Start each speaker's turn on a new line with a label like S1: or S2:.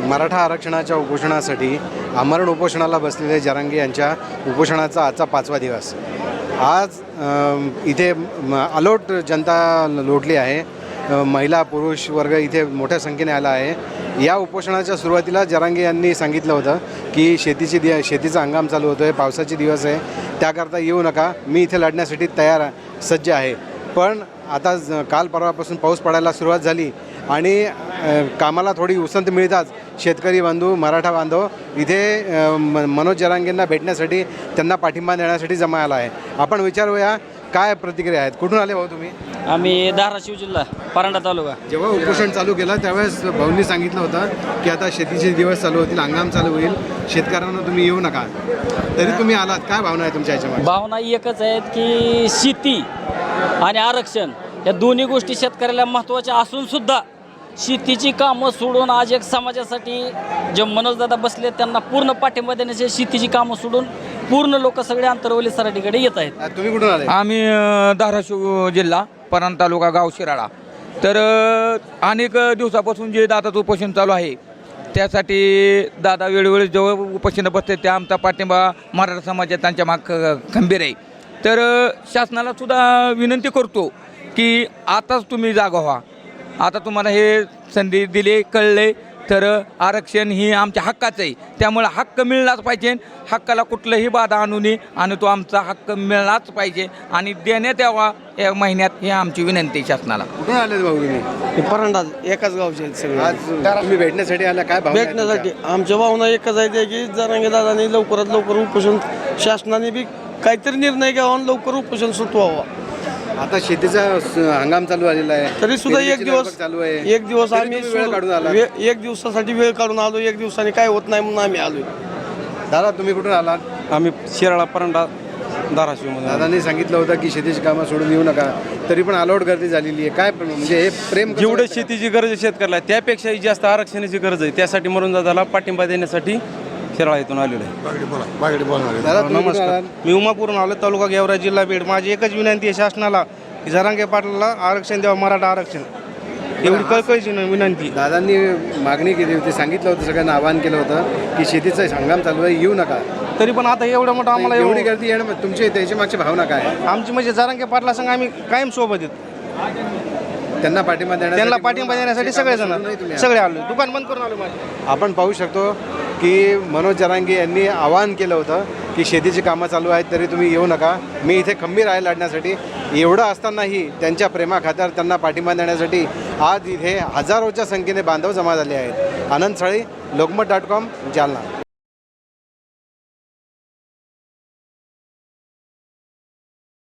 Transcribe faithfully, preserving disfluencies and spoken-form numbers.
S1: मराठा आरक्षणाच्या उपोषणासाठी आमरण उपोषणाला बसलेले जरांगे यांच्या उपोषणाचा आजचा पाचवा दिवस। आज इथे अलोट जनता लोटली आहे, महिला पुरुष वर्ग इथे मोठ्या संख्येने आला आहे। या उपोषणाच्या सुरुवातीला जरांगे यांनी सांगितलं होतं की शेतीची दि शेतीचा हंगाम चालू होतो आहे, पावसाचे दिवस आहे, त्याकरता येऊ नका, मी इथे लढण्यासाठी तयार सज्ज आहे। पण आता काल परवापासून पाऊस पडायला सुरुवात झाली आणि कामाला थोडी उसंत मिळताच शेतकरी बांधव मराठा बांधव इथे मनोज जरांगेंना भेटण्यासाठी त्यांना पाठिंबा देण्यासाठी जमा आला आहे। आपण विचारूया काय प्रतिक्रिया आहेत। कुठून आले भाऊ तुम्ही?
S2: आम्ही धाराशिव जिल्हा परांडा तालुका।
S1: जेव्हा उपोषण चालू केलं त्यावेळेस भाऊंनी सांगितलं होतं की आता शेतीचे दिवस चालू होतील, हंगाम चालू होईल, शेतकऱ्यांना तुम्ही येऊ नका, तरी तुम्ही आलात, काय भावना आहे तुमच्या याच्यामध्ये?
S2: भावना एकच आहेत की शेती आणि आरक्षण या दोन्ही गोष्टी शेतकऱ्याला महत्त्वाच्या असून सुद्धा शेतीची कामं सोडून आज एक समाजासाठी जे मनोजदादा बसले त्यांना पूर्ण पाठिंबा देण्याचे, शेतीची कामं सोडून पूर्ण लोक सगळे आंतरवली सराठीकडे येत आहेत।
S1: तुम्ही कुठून आले?
S3: आम्ही धाराशिव जिल्हा परांडा तालुका गाव शिराळा। तर अनेक दिवसापासून जे दादाचं उपोषण चालू आहे त्यासाठी दादा वेळोवेळी जेव्हा उपोषण बसते त्या आमचा पाठिंबा मराठा समाजात त्यांच्या माग खंबीर आहे। तर शासनाला सुद्धा विनंती करतो की आताच तुम्ही जागा व्हा, आता तुम्हाला हे संधी दिली कळले तर आरक्षण ही आमच्या हक्काचं आहे, त्यामुळे हक्क मिळलाच पाहिजे, हक्काला कुठलंही बाधा आणू नये आणि तो आमचा हक्क मिळालाच पाहिजे आणि देण्यात यावा या महिन्यात ही आमची विनंती शासनाला।
S1: कुठून आले भाऊ तुम्ही?
S4: परांडा एकाच गावचे आहेत सगळे।
S1: आज तुम्ही भेटण्यासाठी आला, काय भावना आहे
S4: भेटण्यासाठी आमच्या भावना एकच आहे की जरांगे दादांनी लवकरात लवकर उपोषण, शासनाने बी काहीतरी निर्णय घ्यावा आणि लवकर उपोषण सुटवावा।
S1: आता शेतीचा हंगाम चालू झालेला आहे,
S4: तरी सुद्धा एक दिवस
S1: चालू आहे,
S4: एक दिवस आम्ही
S1: वेळ काढून आला,
S4: एक दिवसासाठी वेळ काढून आलो, एक दिवसाने काय होत नाही म्हणून आम्ही आलोय।
S1: दादा तुम्ही कुठून आलात?
S4: आम्ही शिराळा परांडा धाराशिवमध्ये।
S1: दादांनी सांगितलं होतं की शेतीची कामं सोडून येऊ नका, तरी पण अलोट गर्दी झालेली आहे, काय म्हणजे हे प्रेम कसं
S5: जेवढे
S1: वाटतं?
S5: शेतीची गरज आहे शेतकऱ्याला त्यापेक्षाही जास्त आरक्षणाची गरज आहे, त्यासाठी म्हणून दादाला पाठिंबा देण्यासाठी शिराळा इथून आलेलो आहे।
S1: दादा तुम्ही कुठून
S5: नमस्कार,
S1: आलात?
S5: मी उमापूरून आलो, तालुका गेवराई, जिल्हा बीड। माझी एकच विनंती आहे शासनाला की जरांगे पाटलाला आरक्षण द्यावं, मराठा आरक्षण, एवढी कळकळीची विनंती।
S1: दादांनी मागणी केली होती, सांगितलं होतं, सगळ्यांना आवाहन केलं होतं की शेतीचं हंगाम चालू आहे, येऊ नका,
S5: तरी पण आता एवढं मोठं आम्हाला
S1: एवढी
S5: एवढी
S1: गर्दी येणं तुमची त्याच्या मागची भावना काय आहे?
S5: आमची म्हणजे जरांगे पाटला संघ आम्ही कायम सोबत येतो,
S1: त्यांना पाठिंबा देण्यासाठी
S5: त्यांना पाठिंबा देण्यासाठी सगळेजण सगळे आलो, दुकान बंद करून आलो माझे।
S1: आपण पाहू शकतो की मनोज जरांगे यांनी आवाहन केलं होतं की शेतीची कामं चालू आहेत तरी तुम्ही येऊ नका, मी इथे खंबीर आहे लढण्यासाठी। एवढं असतानाही त्यांच्या प्रेमाखातर त्यांना पाठिंबा देण्यासाठी आज इथे हजारोच्या संख्येने बांधव जमा झाले आहेत। आनंद साळी, लोकमत डॉट कॉम, जालना।